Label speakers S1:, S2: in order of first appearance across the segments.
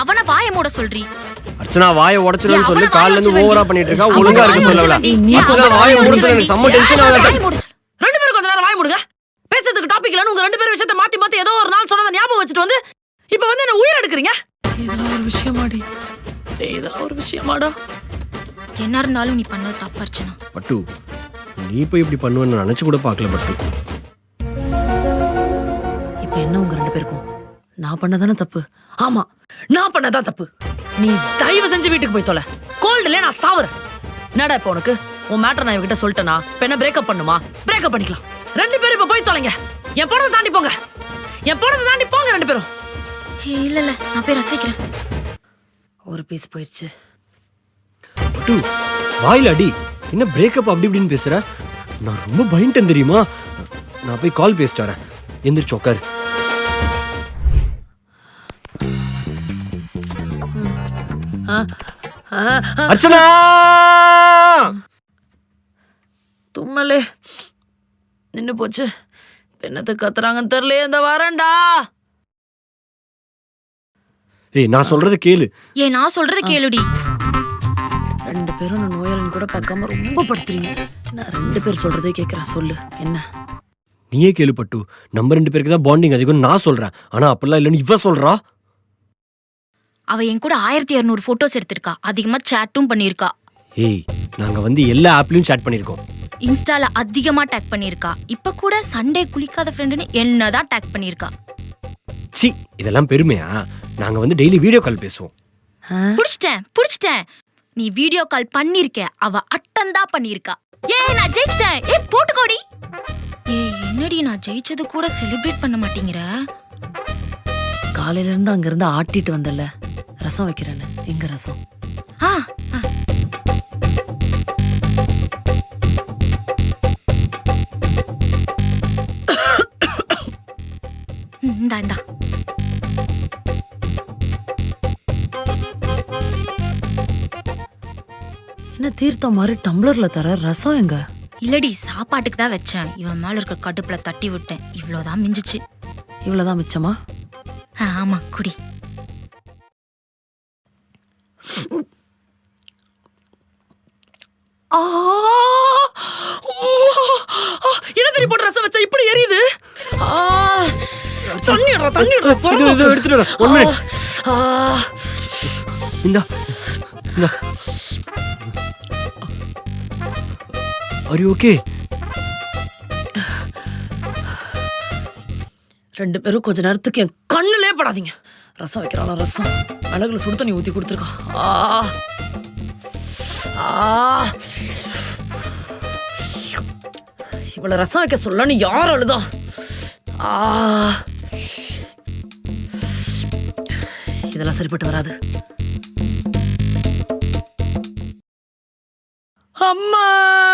S1: அவன வாயை மூட சொல்றீ.
S2: அர்ச்சனா வாயை உடைச்சிடுன்னு சொல்லி கால்ல இருந்து ஓவரா பண்ணிட்டு இருக்கா. ஒழுங்கா இருக்க சொல்லல. அர்ச்சனா வாயை மூட சொல்லி எனக்கு செம்ம டென்ஷன் ஆகுது.
S3: ரெண்டு பேரும் கொஞ்ச நேரம் வாய் மூடுங்க. பேசுறதுக்கு டாபிக் இல்லன்னு உங்க ரெண்டு பேரும் விஷயத்தை மாத்தி மாத்தி ஏதோ ஒரு நாள் சொன்னதை ஞாபகம் வச்சுட்டு வந்து இப்ப வந்து என்ன உயிர் எடுக்கிறீங்க. இதெல்லாம் ஒரு விஷயமாடி? இதெல்லாம் ஒரு விஷயமாடா?
S1: என்ன இருந்தாலும் நீ பண்ணது தப்பு அர்ச்சனா.
S2: பட்டு நீ போய் இப்படி பண்ணுவேன்னு நினைச்சு கூட பார்க்கல பட்டு.
S3: இப்ப என்ன உங்க ரெண்டு பேருக்கும் நான் பண்ணதானே தப்பு? ஆமா நான் பண்ணதான் தப்பு. நீ தயவு செஞ்சு வீட்டுக்கு போய் தொலை. கோல்டுல நான் சாவுறேன். என்னடா இப்ப உனக்கு உன் மேட்டர் நான் இவகிட்ட சொல்லிட்டேனா இப்ப என்ன பிரேக்கப் பண்ணுமா? பிரேக்கப் பண்ணிக்கலாம். ரெண்டு பேரும் இப்ப போய் தொலைங்க. என் போனதை தாண்டி போங்க. என் போனதை தாண்டி போங்க ரெண்டு பேரும்.
S1: இல்ல இல்ல நான் போய் ரசிக்கிறேன்.
S3: ஒரு பீஸ் போயிடுச்சு.
S2: பட்டு வாயில அடி. என்ன பிரேக்கப் அப்படி இப்படின்னு பேசுற? நான் ரொம்ப பயந்துட்டேன் தெரியுமா? நான் போய் கால் பேசிட்டு வரேன். எந்திரிச்சு உட்காரு. அர்ச்சனா
S3: தும்மலே நின்னு போச்சு. என்னத்தை கத்துறாங்கன்னு தெரியல. இந்த வரேன்டா.
S2: ஏய் நான் சொல்றது கேளு.
S1: நான் சொல்றத கேளுடி.
S3: ரெண்டு பேரும் நான் நோயாளின்னு கூட பார்க்காம ரொம்ப படுத்துறீங்க. நான் ரெண்டு பேர் சொல்றதே கேட்கறேன். சொல்லு என்ன?
S2: நீயே கேளு பட்டு. நம்ம ரெண்டு பேருக்கு தான் பாண்டிங் அதிகம் நான் சொல்றேன். ஆனா அப்பெல்லாம் இல்லன்னு இவ சொல்றா.
S1: அவ என் கூட 1200 போட்டோஸ் எடுத்திருக்கா. அதிகமா சாட்டும் பண்ணிருக்கா.
S2: ஏய் நாங்க வந்து எல்லா ஆப்லயும் சாட் பண்ணிருக்கோம்.
S1: இன்ஸ்டால அதிகமா டேக் பண்ணிருக்கா. இப்ப கூட சண்டே குளிக்காத ஃப்ரெண்டுன்னு என்னதான் டேக் பண்ணிருக்கா.
S2: சி இதெல்லாம் பெருமையா? நாங்க வந்து டெய்லி வீடியோ கால் பேசுவோம்.
S1: புடிச்சிட்டேன். நீ வீடியோ கால் பண்ணிருக்க. அவ அட்டன் தான் பண்ணிருக்கா. நான் ஜெயிச்சிட்டேன். போட்டுக்கோடி. என்னடி நான் ஜெயிச்சது கூட செலிப்ரேட் பண்ண மாட்டேங்கிற?
S3: காலையில இருந்து அங்க இருந்து ஆட்டிட்டு வந்தல. ரசம் வைக்கிறேன்னு. எங்க ரசம்?
S1: இந்தா.
S3: என்ன தீர்த்தம் மாதிரி டம்ளர்ல தர ரசம் எங்க?
S1: இல்லடி சாப்பாட்டுக்கு தான் வச்சேன். இவன் மேல இருக்க கடுப்புல தட்டி விட்டேன். இவ்வளவுதான் மிஞ்சிச்சு.
S3: இவ்வளவுதான் மிச்சமா?
S1: ஆமா குடி.
S3: என்ன தெரிய போட்டு ரசம் வச்சா இப்படி எரியுது? தண்ணி
S2: எடுத்துட்டு வர. 1 மினிட். இந்தா. Are you okay?
S3: ரெண்டு பேரும் கொஞ்ச நேரத்துக்கு என் கண்ணுலே படாதீங்க. ரசம் வைக்கிறாளா? ரசம் மிளகுல சுடு தண்ணி ஊத்தி கொடுத்துருக்கா. இவ்வளவு ரசம் வைக்க சொல்லன்னு யார் அழுதா? இதெல்லாம் சரிப்பட்டு வராது. அம்மா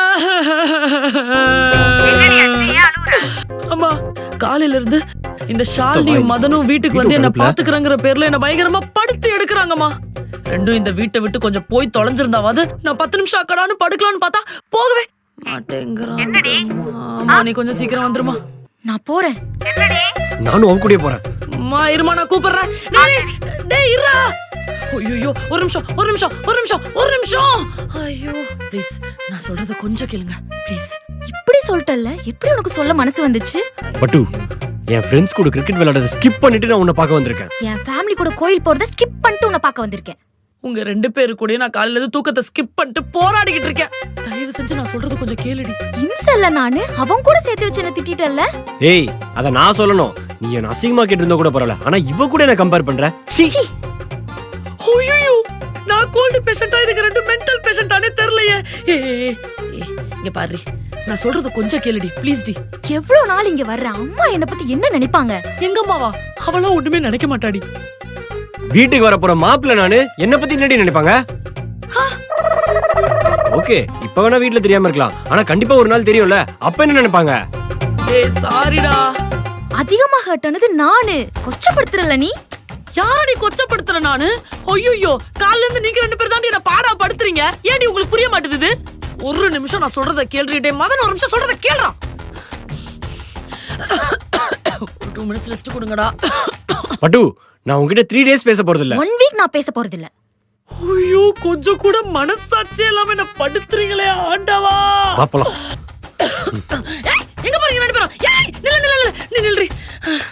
S3: அம்மா காலையில இருந்து இந்த ஷாலினியும் மதனும் வீட்டுக்கு வந்து என்ன பாத்துக்கிறங்கிற பேர்ல என்ன பயங்கரமா படுத்து எடுக்கிறாங்கம்மா. ரெண்டும் இந்த வீட்டை விட்டு கொஞ்சம் போய் தொலைஞ்சிருந்தாவது நான் 10 நிமிஷம் அக்கடான்னு படுக்கலான்னு பார்த்தா போகவே மாட்டேங்கிறான். நீ கொஞ்சம் சீக்கிரம் வந்துருமா.
S1: நான் போறேன்.
S2: நானும் அவன் கூட போறேன்.
S3: அம்மா இருமா நான் கூப்பிடுறேன். டேய் இருடா. ஐயோ ஒரு நிமிஷம். ஐயோ ப்ளீஸ் நான் சொல்றத கொஞ்சம் கேளுங்க ப்ளீஸ்.
S1: இப்படி சொல்லிட்டல்ல, எப்படி உனக்கு சொல்ல மனசு வந்துச்சு?
S2: பட்டு என் ஃப்ரெண்ட்ஸ் கூட கிரிக்கெட் விளையாடுறத ஸ்கிப் பண்ணிட்டு நான் உன்னை பார்க்க வந்திருக்கேன்.
S1: என் ஃபேமிலி கூட கோயில் போறத ஸ்கிப் பண்ணிட்டு உன்னை பார்க்க வந்திருக்கேன்.
S3: உங்க ரெண்டு பேரு கூட நான் காலையில இருந்து தூக்கத்தை ஸ்கிப் பண்ணிட்டு போராடிக்கிட்டு இருக்கேன். தயவு செஞ்சு நான் சொல்றத கொஞ்சம் கேளுடி.
S1: இம்சல்ல நானு அவன் கூட சேர்த்து வச்சு என்ன திட்டிட்டல்ல.
S2: ஏய் அத நான் சொல்லணும். நீ என்ன அசிங்கமா கேட்டிருந்தா கூட பரவாயில்ல. ஆனா இவ கூட என்ன கம்பேர் பண்ற? சீ.
S3: ஐயோ நான் கோல்டு பேஷண்டா இதுக்கு ரெண்டு மென்டல் பேஷண்டானே தெரியலையே. இங்க பாரு நான் சொல்றது கொஞ்சம் கேளுடி ப்ளீஸ் டி.
S1: எவ்வளவு நாள் இங்க வர்ற அம்மா என்ன பத்தி என்ன நினைப்பாங்க?
S3: எங்க அம்மாவா? அவளா ஒண்ணுமே நினைக்க மாட்டாடி.
S2: வீட்டுக்கு வர போற மாப்பிள்ள நானு என்ன பத்தி என்னடி நினைப்பாங்க? ஓகே இப்ப வேணா வீட்டுல தெரியாம இருக்கலாம். ஆனா கண்டிப்பா ஒரு நாள் தெரியும்ல. அப்ப என்ன நினைப்பாங்க?
S3: ஏய் சாரிடா.
S1: அதிகமா ஹர்ட் ஆனது நானு. கொச்சப்படுத்துறல நீ.
S3: யாரடி கொச்சப்படுத்துற நானு? ஐயோ கால்ல இருந்து நீங்க ரெண்டு பேர் தான் என்ன பாடா படுத்துறீங்க. ஏடி உங்களுக்கு புரிய மாட்டேங்குது? ஒரு நிமிஷம் நான் சொல்றத கேளுடே. மதன் ஒரு நிமிஷம் சொல்றத கேளுடா. 2 minutes ரெஸ்ட் கொடுங்கடா.
S2: பட்டு நான் உங்ககிட்ட 3 days பேச போறது இல்ல.
S1: 1 வீக் நான் பேச போறது இல்ல.
S3: ஐயோ கொஞ்சம் கூட மனசாட்சி இல்லாம என்ன படுத்துறீங்களே ஆண்டவா.
S2: பாப்பலாம்.